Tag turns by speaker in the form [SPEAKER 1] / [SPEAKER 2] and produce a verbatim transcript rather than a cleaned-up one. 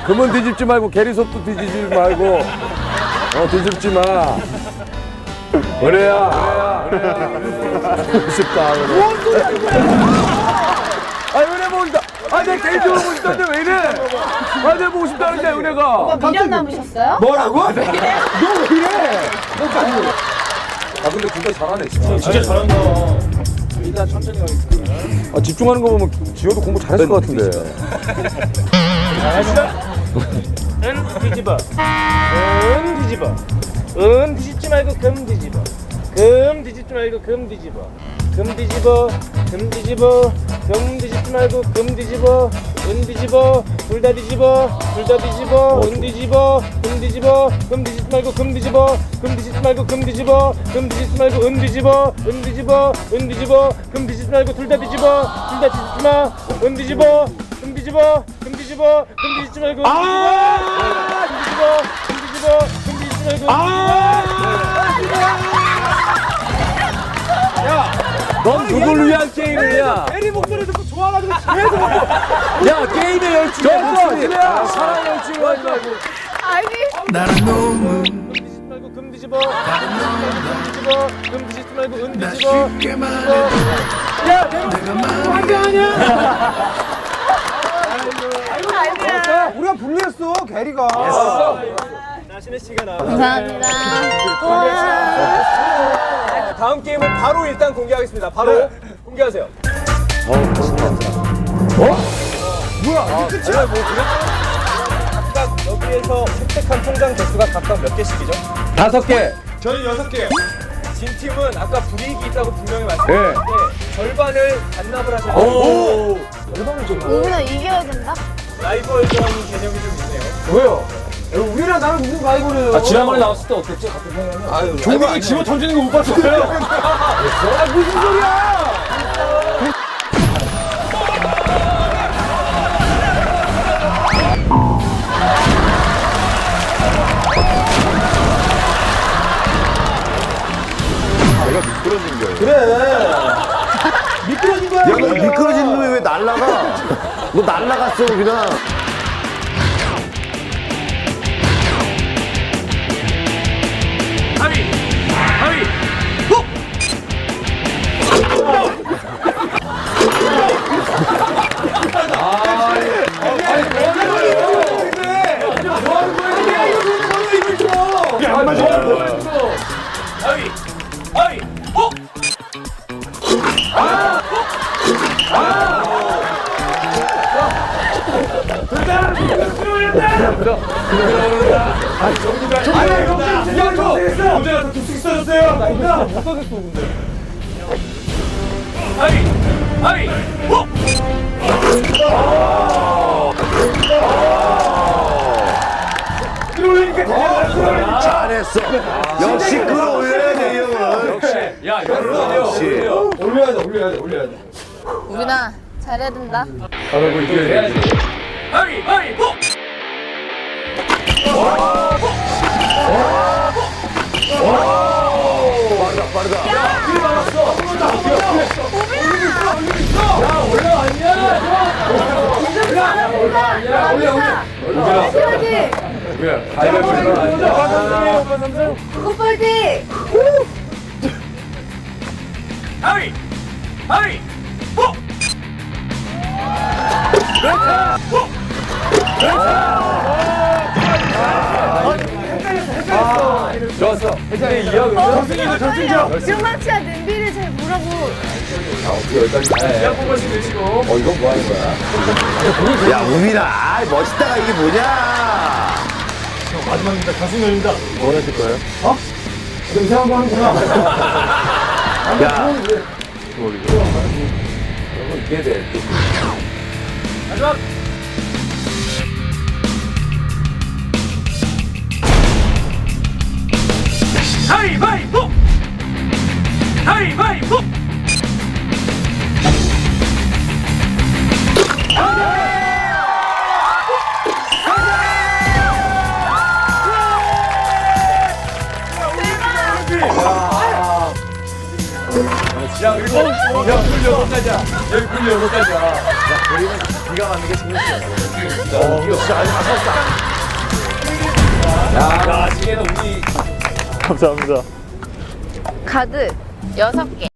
[SPEAKER 1] 금은 뒤집지 말고 게리솥도 뒤집지 말고 어 뒤집지 마. 은혜야, 은혜야, 은혜야. 보고 싶다. 뭔 소리야? 아 은혜 보고 싶다. 아내 개인적으로 보고 싶다는데 왜 이래? 아 내가 보고 싶다는데 은혜가.
[SPEAKER 2] 미련 남으셨어요?
[SPEAKER 1] 뭐라고? 너 왜 이래? 아 근데 진짜 잘하네 진짜.
[SPEAKER 3] 진짜 잘한다. 일단 천천히 가겠습니다.
[SPEAKER 1] 아 집중하는 거 보면 지효도 공부 잘했을 것 같은데.
[SPEAKER 3] 잘했어? 은 뒤집어. 은 뒤집어. 은 뒤집지 말고 금 뒤집어. 금 뒤집지 말고 금 뒤집어. 금 뒤집어. 금 뒤집어. 금 뒤집지 말고 금 뒤집어. 은 뒤집어. 둘 다 뒤집어. 둘 다 뒤집어. 은 뒤집어. 금 뒤집어. 금 뒤집지 말고 금 뒤집어. 금 뒤집지 말고 금 뒤집어. 금 뒤집지 말고 은 뒤집어. 은 뒤집어. 은 뒤집어. 금 뒤집지 말고 둘 다 뒤집어. 둘 다 뒤집지 마. 은 뒤집어. 금 뒤집어. 금 뒤집어. 금 뒤집지 말고 금 뒤집어. 금 뒤집어. 금 뒤집어. 금 뒤집지 말고
[SPEAKER 1] 넌 누굴 위한 게임이냐?
[SPEAKER 3] 에리 목소리 듣고 좋아가지고 계속
[SPEAKER 1] 야 게임의 열중이 목소리. 사랑의 열중이 하지 말고.
[SPEAKER 2] 아니.
[SPEAKER 3] 금 뒤집지 말고 금 뒤집어. 금 뒤집어. 금 뒤집지 말고 은 뒤집어. 야 내가 한게 아니야.
[SPEAKER 2] 아니야.
[SPEAKER 4] 우리가 불리했어, 게리가.
[SPEAKER 3] 자 신혜 씨가 나.
[SPEAKER 2] 감사합니다. 와.
[SPEAKER 4] 다음 게임은 바로 일단 공개하겠습니다. 바로 공개하세요.
[SPEAKER 3] 뭐야 이게 끝이야? 뭐 그래? 각각 여기에서 획득한 통장 개수가 각각 몇 개씩이죠?
[SPEAKER 1] 다섯 개.
[SPEAKER 3] 저는 여섯 개요.
[SPEAKER 4] 진 팀은 아까 불이익이 있다고 분명히 말씀드렸는데 절반을 반납을 하셔야 돼요.
[SPEAKER 1] 오.
[SPEAKER 2] 우리가 이겨야 된다?
[SPEAKER 4] 라이벌전 개념이 좀 있네요.
[SPEAKER 1] 왜요?
[SPEAKER 4] 우리랑 나랑 무슨 라이벌이에요?
[SPEAKER 1] 아 지난번에 나왔을 때 어땠지? 같은 생각하면. 아유.
[SPEAKER 3] 종국이 집어 던지는 거 못 봤어요.
[SPEAKER 4] 아 무슨 소리야?
[SPEAKER 1] 내가 미끄러진 거예요.
[SPEAKER 4] 그래. 미끄러진 거야.
[SPEAKER 5] 야, 너 미끄러진 놈이 왜 날라가? 너 날라갔어, 그냥.
[SPEAKER 3] 하위 하위 훅. 하위 하위 훅. 하위 하위 훅.
[SPEAKER 5] 잘했어. 역시 끌어올려야 돼, 이 형은.
[SPEAKER 1] 야 이거
[SPEAKER 5] 역시.
[SPEAKER 4] 올려야 돼, 올려야 돼, 올려야 돼.
[SPEAKER 2] 우빈아, 잘해야 된다.
[SPEAKER 1] 잘하고 이겨야지.
[SPEAKER 3] 하위 하위 훅.
[SPEAKER 2] 파이팅!
[SPEAKER 1] 왜? 가위바위보 아니야?
[SPEAKER 2] 굿파이팅!
[SPEAKER 3] 하위 하위 훅.
[SPEAKER 1] 좋았어. 회장이 이어 그러면.
[SPEAKER 2] 승마치와 냄비를 잘 보라고.
[SPEAKER 1] 야 뽑아시 내시고. 어 이건 뭐 하는 거야?
[SPEAKER 5] 야, 우빈아. 아, 멋있다가 이게 뭐냐?
[SPEAKER 3] 마지막입니다. 가수면입니다.
[SPEAKER 5] 뭐 하실 거예요?
[SPEAKER 4] 너 이상한 거 하는구나.
[SPEAKER 5] 야,
[SPEAKER 1] 이게 돼.
[SPEAKER 3] 마지막. 하위바위보! 하위바위보!
[SPEAKER 1] 야 그리고 야 여섯 가지야. 여기 꿀 여섯 가지야.
[SPEAKER 5] 네가 만든 게 재밌어.
[SPEAKER 1] 어, 이거 진짜 아주 아깝다. 야, 지혜는 우리
[SPEAKER 3] 감사합니다.
[SPEAKER 2] 카드 여섯 개.